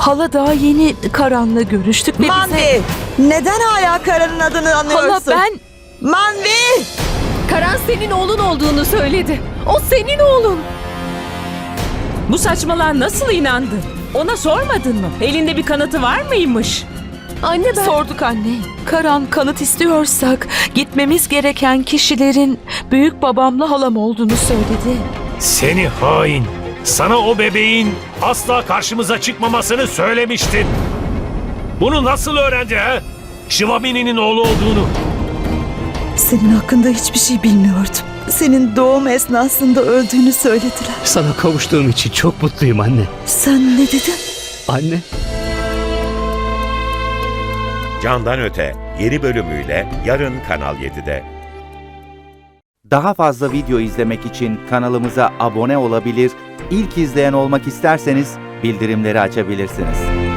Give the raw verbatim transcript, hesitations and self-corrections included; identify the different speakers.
Speaker 1: Hala daha yeni Karan'la görüştük ve bize...
Speaker 2: Manvi! Neden hala Karan'ın adını anıyorsun?
Speaker 1: Hala ben...
Speaker 2: Manvi!
Speaker 3: Karan senin oğlun olduğunu söyledi. O senin oğlun.
Speaker 4: Bu saçmalığa nasıl inandın? Ona sormadın mı? Elinde bir kanıtı var mıymış?
Speaker 3: Anne ben...
Speaker 1: Sorduk anne. Karan kanıt istiyorsak gitmemiz gereken kişilerin büyük babamla halam olduğunu söyledi.
Speaker 5: Seni hain! Sana o bebeğin asla karşımıza çıkmamasını söylemiştin. Bunu nasıl öğrendi ha? Şivamini'nin oğlu olduğunu.
Speaker 2: Senin hakkında hiçbir şey bilmiyordum. Senin doğum esnasında öldüğünü söylediler.
Speaker 6: Sana kavuştuğum için çok mutluyum anne.
Speaker 2: Sen ne dedin?
Speaker 6: Anne.
Speaker 7: Candan Öte yeni bölümüyle yarın Kanal yedide.
Speaker 8: Daha fazla video izlemek için kanalımıza abone olabilir, ilk izleyen olmak isterseniz bildirimleri açabilirsiniz.